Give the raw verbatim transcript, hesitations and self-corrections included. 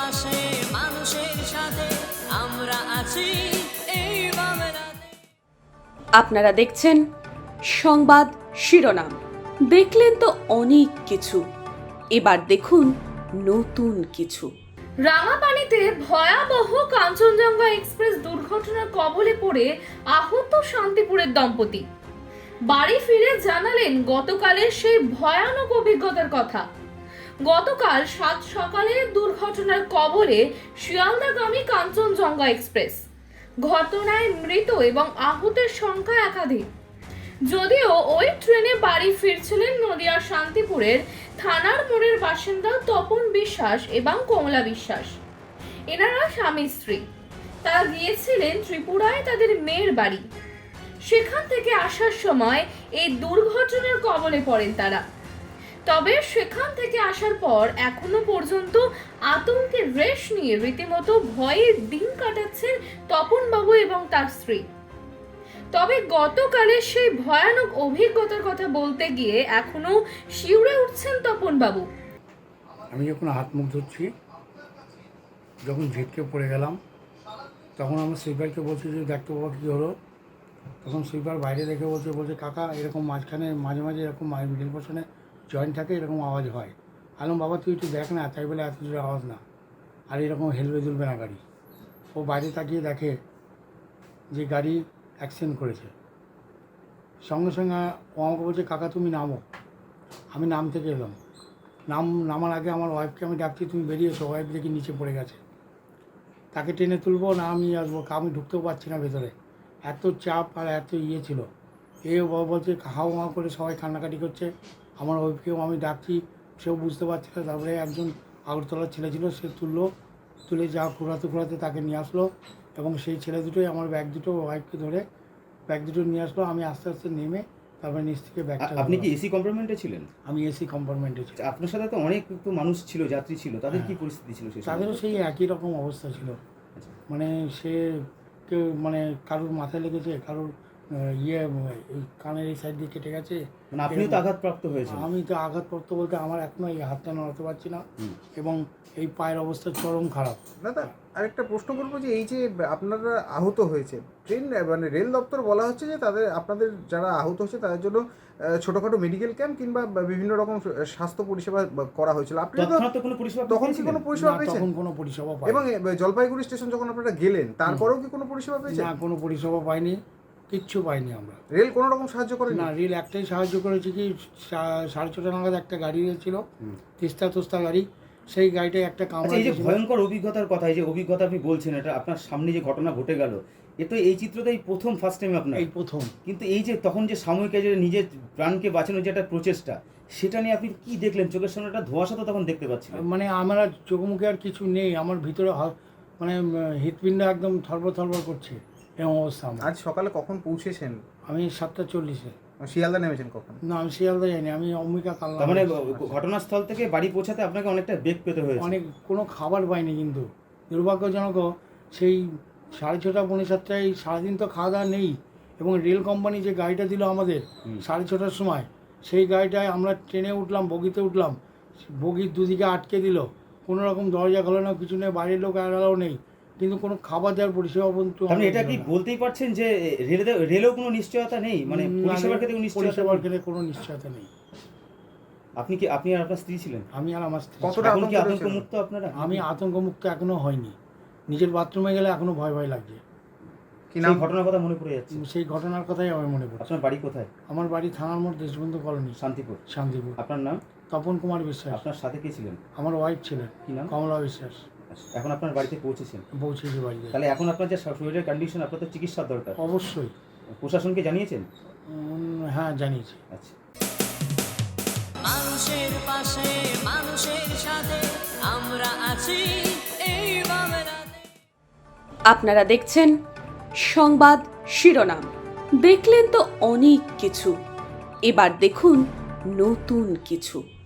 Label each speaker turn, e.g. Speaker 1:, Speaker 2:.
Speaker 1: পাশে মানুষের সাথে আমরা আছি এই বাংলাতে।
Speaker 2: আপনারা দেখছেন সংবাদ শিরোনাম। দেখলেন তো অনেক কিছু, এবার দেখুন নতুন কিছু।
Speaker 3: রাঙাপানিতে ভয়াবহ কাঞ্চনজঙ্ঘা এক্সপ্রেস দুর্ঘটনার কবলে পড়ে আহত শান্তিপুরের দম্পতি। বাড়ি ফিরে জানালেন গতকালের সেই ভয়ানক অভিজ্ঞতার কথা। গতকাল সাত সকালে দুর্ঘটনার কবলে শিয়ালদাগামী কাঞ্চনজঙ্ঘা এক্সপ্রেস। ঘটনায় মৃত এবং আহতের সংখ্যা একাধিক। যদিও ওই ট্রেনে বাড়ি ফিরছিলেন নদিয়ার শান্তিপুরের থানার মোড়ের বাসিন্দা তপন বিশ্বাস এবং কমলা বিশ্বাস। এনারা স্বামী স্ত্রী। তারা গিয়েছিলেন ত্রিপুরায় তাদের মেয়ের বাড়ি। সেখান থেকে আসার সময় এই দুর্ঘটনার কবলে পড়েন তারা। তবে সেখান থেকে আসার পর এখনো পর্যন্ত আতঙ্কের রেশ নিয়ে রীতিমতো ভয়ে দিন কাটাচ্ছেন তপন বাবু এবং তার স্ত্রী। তবে গতকালের সেই ভয়ানক অভিজ্ঞতার কথা বলতে গিয়ে এখনো শিউরে উঠছেন তপন বাবু।
Speaker 4: আমি যখন হাত মুখ ধুচ্ছি, যখন ঝিটকে পড়ে গেলাম, তখন আমার সুইপারকে বলছি যে দেখতে বাবা কী হলো। তখন সুইপার বাইরে দেখে বলছে বলছে কাকা এরকম মাঝখানে মাঝে মাঝে এরকম মিডিল পোর্শনে জয়েন্ট থাকে, এরকম আওয়াজ হয়। আলম বাবা তুই একটু দেখ না, তাই বলে এত জোরে আওয়াজ না, আর এরকম হেলবে দুলবে না গাড়ি। ও বাইরে তাকিয়ে দেখে যে গাড়ি অ্যাক্সিডেন্ট করেছে। সঙ্গে সঙ্গে ও আমাকে বলছে কাকা তুমি নামো। আমি নাম থেকে এলাম। নাম নামার আগে আমার ওয়াইফকে আমি ডাকছি তুমি বেরিয়ে এসো, ওয়াইফ দেখি নিচে পড়ে গেছে। তাকে টেনে তুলবো না আমি আসবো, আমি ঢুকতেও পারছি না ভেতরে, এত চাপ আর এত ইয়ে ছিল। এ বাবা বলছে হাও মাও করে সবাই কান্নাকাটি করছে। আমার ওয়াইফকেও আমি ডাকছি, সেও বুঝতে পারছে না। তারপরে একজন আগরতলার ছেলে ছিল, সে তুললো, তুলে যা ঘোরাতে ঘোরাতে তাকে নিয়ে আসলো, এবং সেই ছেলে দুটোই আমার ব্যাগ দুটো ওয়াইফকে ধরে ব্যাগ দুটো নিয়ে আসলো। আমি আস্তে আস্তে নেমে তারপরে নিচ থেকে ব্যাগটা।
Speaker 5: আপনি কি এসি কম্পার্টমেন্টে ছিলেন?
Speaker 4: আমি এসি কম্পার্টমেন্টে ছিলাম।
Speaker 5: আপনার সাথে তো অনেক তো মানুষ ছিল, যাত্রী ছিল, তাদের কি পরিস্থিতি ছিল? সেই
Speaker 4: তাদেরও সেই একই রকম অবস্থা ছিল। মানে সে কেউ মানে কারোর মাথায় লেগেছে, কারোর ইয়ে এই কানের এই সাইড দিয়ে কেটে গেছে।
Speaker 5: মানে আপনিও তো আঘাতপ্রাপ্ত হয়েছেন? আমি
Speaker 4: তো আঘাতপ্রাপ্ত বলতে আমার এখনো এই হাতটা নড়াতে পারছি না, এবং এই পায়ের অবস্থা চরম খারাপ।
Speaker 6: দাদা আরেকটা প্রশ্ন করবো যে এই যে আপনারা আহত হয়েছে, ট্রেন মানে রেল দপ্তর বলা হচ্ছে যে তাদের আপনাদের যারা আহত হচ্ছে তাদের জন্য ছোটখাটো মেডিকেল ক্যাম্প কিংবা বিভিন্ন রকম স্বাস্থ্য পরিষেবা করা হয়েছিল। আপনি তো
Speaker 5: কোনো পরিষেবা
Speaker 6: তখন কি কোনো পরিষেবা পেয়েছেন?
Speaker 4: তখন কোনো পরিষেবা পাইনি।
Speaker 6: এবং জলপাইগুড়ি স্টেশন যখন আপনারা গেলেন তারপরেও কি কোনো পরিষেবা পেয়েছেন?
Speaker 4: না, কোনো পরিষেবা পাইনি, কিচ্ছু পাইনি আমরা।
Speaker 6: রেল কোনো রকম সাহায্য করে
Speaker 4: না, রেল একটাই সাহায্য করেছে কি সাড়ে ছটা নাগাদ একটা গাড়ি ছিল, তিস্তা তোস্তা গাড়ি, সেই গাড়িটায় একটা কামড়া।
Speaker 5: এই যে ভয়ঙ্কর অভিজ্ঞতার কথা, এই যে অভিজ্ঞতা আপনি বলছেন, এটা আপনার সামনে যে ঘটনা ঘটে গেল, এ তো এই চিত্রটাই প্রথম ফার্স্ট টাইম আপনার?
Speaker 4: এই প্রথম। কিন্তু
Speaker 5: এই যে তখন যে সাময়িক যে নিজের প্রাণকে বাঁচানোর যে একটা প্রচেষ্টা, সেটা নিয়ে আপনি কি দেখলেন? চোখের সামনে একটা ধোঁয়াশা তো তখন দেখতে পাচ্ছিলেন।
Speaker 4: মানে আমার আর চোখ মুখে আর কিছু নেই, আমার ভিতরে মানে হৃৎপিণ্ড একদম থরবর থরবর করছে এরকম অবস্থা।
Speaker 6: আজ সকালে কখন পৌঁছেছেন?
Speaker 4: আমি সাতটা চল্লিশে।
Speaker 6: শিয়ালদা নেমেছেন কখন?
Speaker 4: না, আমি শিয়ালদা যাইনি, আমি অম্বিকা কালনা।
Speaker 5: মানে ঘটনাস্থল থেকে বাড়ি পৌঁছাতে আপনাকে অনেকটা বেগ পেতে হয়েছে?
Speaker 4: অনেক, কোনো খাবার পাইনি, কিন্তু দুর্ভাগ্যজনক সেই সাড়ে ছটা পৌনে সাতটায় সারাদিন তো খাওয়া দাওয়া নেই। এবং রেল কোম্পানি যে গাড়িটা দিল আমাদের সাড়ে ছটার সময়, সেই গাড়িটায় আমরা ট্রেনে উঠলাম, বগিতে উঠলাম, বগির দুদিকে আটকে দিল, কোনো রকম দরজা খোলা না, কিছু নেই, বাইরের লোক এলাও নেই, কিন্তু কোনো খাবার দেওয়ার পরিষেবা পর্যন্ত।
Speaker 5: আপনি এটা কি বলতেই পারছেন যে রেলে রেলেও কোনো নিশ্চয়তা নেই? মানে পরিষেবার ক্ষেত্রে
Speaker 4: পরিষেবার ক্ষেত্রে কোনো নিশ্চয়তা নেই।
Speaker 5: আপনি কি আপনি আর আপনার স্ত্রী ছিলেন?
Speaker 4: আমি আর আমার স্ত্রী।
Speaker 6: কতটা
Speaker 5: এখন কি আতঙ্কমুক্ত আপনারা?
Speaker 4: আমি আতঙ্কমুক্ত এখনো হয়নি, নিজের বাথরুমে গেলে এখনো ভয় ভয় লাগছে।
Speaker 5: কি নাম ঘটনার কথা মনে পড়ে যাচ্ছে?
Speaker 4: সেই ঘটনার কথাই আমার মনে পড়ে।
Speaker 5: আপনার বাড়ি কোথায়?
Speaker 4: আমার বাড়ি থানার মোড়, দেশবন্ধু কলোনি,
Speaker 5: শান্তিপুর।
Speaker 4: শান্তিপুর।
Speaker 5: আপনার নাম?
Speaker 4: তপন কুমার বিশ্বাস।
Speaker 5: আপনার সাথে কে ছিলেন?
Speaker 4: আমার ওয়াইফ ছিলেন।
Speaker 5: কি নাম?
Speaker 4: কমলা বিশ্বাস।
Speaker 5: এখন আপনার বাড়িতে পৌঁছেছেন?
Speaker 4: পৌঁছেছি বাড়িতে।
Speaker 5: তাহলে এখন আপনার যে শরীরের কন্ডিশন, আপনার তো চিকিৎসার দরকার।
Speaker 4: অবশ্যই।
Speaker 5: প্রশাসনকে জানিয়েছেন?
Speaker 4: হ্যাঁ, জানিয়েছি।
Speaker 5: আচ্ছা।
Speaker 1: মানুষের পাশে মানুষের সাথে আমরা আছি এই বাংলাতে।
Speaker 2: আপনারা দেখছেন সংবাদ শিরোনাম। দেখলেন তো অনেক কিছু, এবার দেখুন নতুন কিছু।